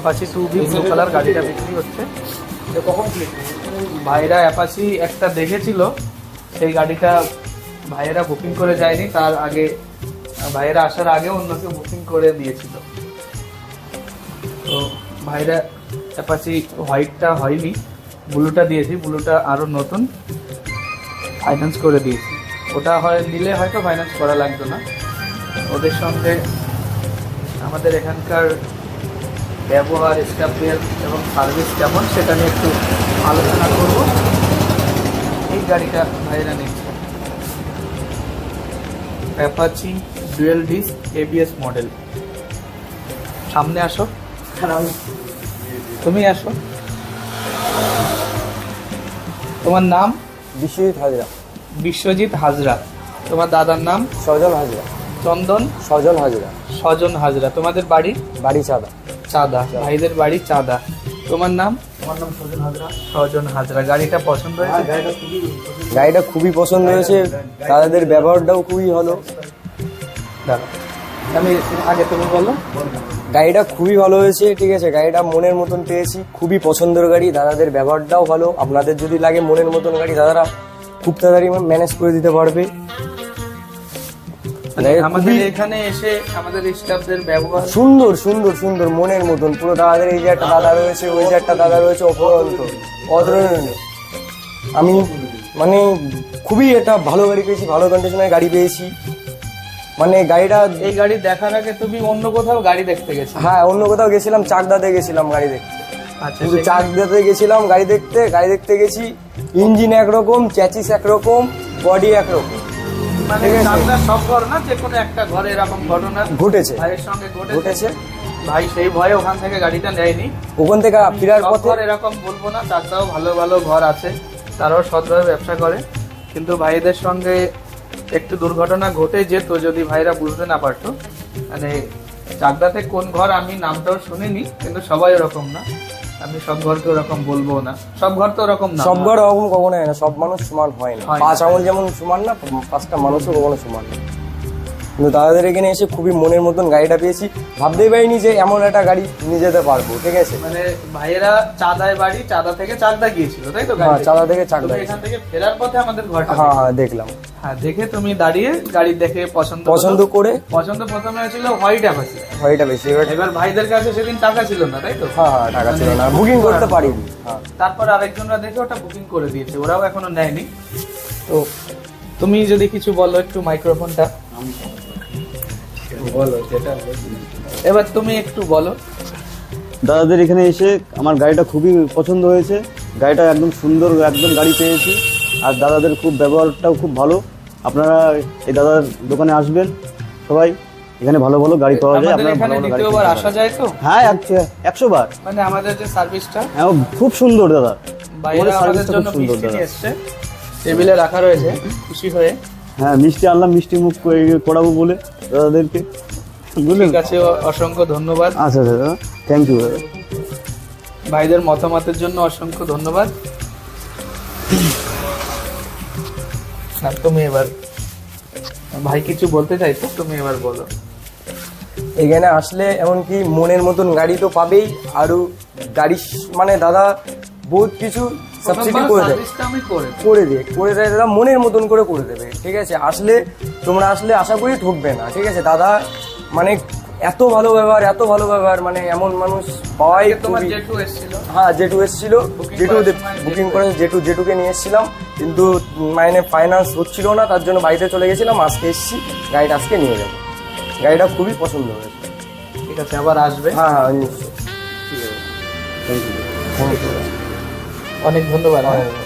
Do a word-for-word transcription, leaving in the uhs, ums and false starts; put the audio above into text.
Apache two V blue colour গাড়িটা বিক্রি হচ্ছে। কখন ভাইরা অ্যাপাচি একটা দেখেছিল, সেই গাড়িটা ভাইয়েরা বুকিং করে যায়নি, তার আগে ভাইয়েরা আসার আগে অন্য কেউ বুকিং করে দিয়েছিল। তো ভাইরা অ্যাপাচি হোয়াইটটা হয়নি, ব্লুটা দিয়েছি, ব্লুটা আরও নতুন ফাইন্যান্স করে দিয়েছি। ওটা হয় নিলে হয়তো ফাইন্যান্স করা লাগতো না। ওদের সঙ্গে আমাদের এখানকার ব্যবহার, স্টাফের এবং সার্ভিস কেমন সেটা নিয়ে একটু আলোচনা করব। এই গাড়িটা ভাইরা নিচ্ছে Apache dual disc ABS model. সামনে আসো, তুমি আসো। তোমার নাম? বিশ্বজিৎ হাজরা। বিশ্বজিৎ হাজরা। তোমার দাদার নাম? সজন হাজরা। চন্দন? সজন হাজরা। সজন হাজরা। তোমাদের বাড়ি? বাড়ি চাঁদা। চাঁদা। ভাইদের বাড়ি চাঁদা। তোমার নাম? আমার নাম সজন হাজরা। সজন হাজরা। গাড়িটা পছন্দ হয়েছে? গাড়িটা খুবই পছন্দ হয়েছে, তাদের ব্যবহারটাও খুবই ভালো। দাঁড়া, আমি আগে তুমি বলো। গাড়িটা খুবই ভালো হয়েছে, ঠিক আছে। গাড়িটা মনের মতন পেয়েছি, খুবই পছন্দের গাড়ি। দাদাদের ব্যবহারটাও ভালো। আপনাদের যদি লাগে মনের মতন গাড়ি, দাদারা খুব তাড়াতাড়ি ম্যানেজ করে দিতে পারবে। আমাদের এখানে এসে আমাদের স্টাফদের ব্যবহার সুন্দর সুন্দর সুন্দর মনের মতন পুরো। দাদাদের এই যে একটা দাদা রয়েছে, ওই যে একটা দাদা রয়েছে, অপরন্ত অতুলনীয়। আমি মানে খুবই একটা ভালো গাড়ি পেয়েছি, ভালো কন্ডিশনের গাড়ি পেয়েছি। মানে গাড়িটা, এই গাড়ি দেখার আগে তুমি অন্য কোথাও গাড়ি দেখতে গেছো? হ্যাঁ, অন্য কোথাও গেছিলাম, চাকদাতে গেছিলাম গাড়ি দেখতে। আচ্ছা, কিন্তু চাকদাতে গেছিলাম গাড়ি দেখতে, গাড়ি দেখতে গেছি। ইঞ্জিন একরকম, চ্যাচিস একরকম, বডি একরকম। মানে চাকদার সব ঘর না, যে কোনো একটা ঘরে এরকম ঘটনা ঘটেছে, ভাইয়ের সঙ্গে ঘটেছে। ভাই সেই ভয়ে ওখান থেকে গাড়িটা নেয়নি। ওখান থেকে ফেরার পথে এরকম বলবো না, চাকদাও ভালো ভালো ঘর আছে, তারাও সৎভাবে ব্যবসা করে। কিন্তু ভাইদের সঙ্গে একটু দুর্ঘটনা ঘটে যেত যদি ভাইরা বুঝতে না পারতো। মানে চাকদাতে কোন ঘর আমি নামটাও শুনিনি, কিন্তু সবাই ওরকম না। আমি সব ঘরকে ওরকম বলবো না, সব ঘর তো ওরকম না। সব ঘর ওরকম কখনো হয় না, সব মানুষ সমান হয় না। পাঁচ আঙুল যেমন সমান না, পাঁচটা মানুষও কখনো সমান না। কিন্তু দাদাদের এখানে এসে খুবই মনের মতন গাড়িটা পেয়েছি। ভাবতেই পারিনি যে এমন একটা গাড়ি নিয়ে যেতে পারবো, ঠিক আছে। মানে ভাইয়েরা চাঁদায় বাড়ি, চাঁদা থেকে চাকদা গিয়েছিল, তাই তো? হ্যাঁ, চাঁদা থেকে চাকদা। এখান থেকে ফেরার পথে আমাদের ঘরটা, হ্যাঁ হ্যাঁ দেখলাম। হ্যাঁ, দেখে তুমি দাঁড়িয়ে গাড়ি দেখে পছন্দ পছন্দ করে, পছন্দ প্রথমে হয়েছিল হোয়াইট অ্যাপাচি। হোয়াইটটা বেশি। এবার ভাইদের কাছে সেদিন টাকা ছিল না, তাই তো? হ্যাঁ হ্যাঁ, টাকা ছিল না, বুকিং করতে পারিনি। হ্যাঁ, তারপর আরেকজনরা দেখে ওটা বুকিং করে দিয়েছে, ওরাও এখনো নেয়নি। তো তুমি যদি কিছু বলো একটু, মাইক্রোফোনটা বলো যেটা, এবার তুমি একটু বলো। দাদাদের এখানে এসে আমার গাড়িটা খুবই পছন্দ হয়েছে। গাড়িটা একদম সুন্দর, একদম গাড়ি পেয়েছি। আর দাদাদের খুব ব্যবহারটাও খুব ভালো। আপনারা এই দাদার দোকানে আসবেন সবাই, এখানে ভালো ভালো গাড়ি পাওয়া যায়। আপনারা ভালো ভালো গাড়ি আসা যায় তো? হ্যাঁ, একশো বার। মানে আমাদের যে সার্ভিসটা, হ্যাঁ, খুব সুন্দর দাদা। বাইরে আমাদের জন্য সুন্দর দাদা এসছে, টেবিলে রাখা রয়েছে, খুশি হয়ে। হ্যাঁ, মিষ্টি আনলাম, মিষ্টি মুখ করাবো বলে দাদাদেরকে। ঠিক আছে, অসংখ্য ধন্যবাদ। আচ্ছা দাদা, থ্যাংক ইউ দাদা। ভাইদের মতামতের জন্য অসংখ্য ধন্যবাদ। তুমি এবার, ভাই কিছু বলতে চাইছো, তুমি এবার বলো। এখানে আসলে এমনকি মনের মতন গাড়ি তো পাবেই, আরো গাড়ি মানে দাদা বহুত কিছু সাবসিডি করে দেয়, করে দিয়ে করে দেয় দাদা, মনের মতন করে করে দেবে, ঠিক আছে। আসলে তোমরা আসলে আশা করি ঠকবে না, ঠিক আছে। দাদা মানে এত ভালো ব্যবহার, এত ভালো ব্যবহার, মানে এমন মানুষ পাওয়াই। হ্যাঁ, জেঠু এসেছিল, জেঠু বুকিং করে জেঠু জেঠুকে নিয়ে এসেছিলাম, কিন্তু মানে ফাইন্যান্স হচ্ছিল না, তার জন্য বাড়িতে চলে গেছিলাম। আজকে এসেছি, গাড়িটা আজকে নিয়ে যাবো। গাড়িটা খুবই পছন্দ হয়েছে। ঠিক আছে, আবার আসবে। হ্যাঁ হ্যাঁ, নিশ্চয়ই। ঠিক আছে, থ্যাংক ইউ, অনেক ধন্যবাদ।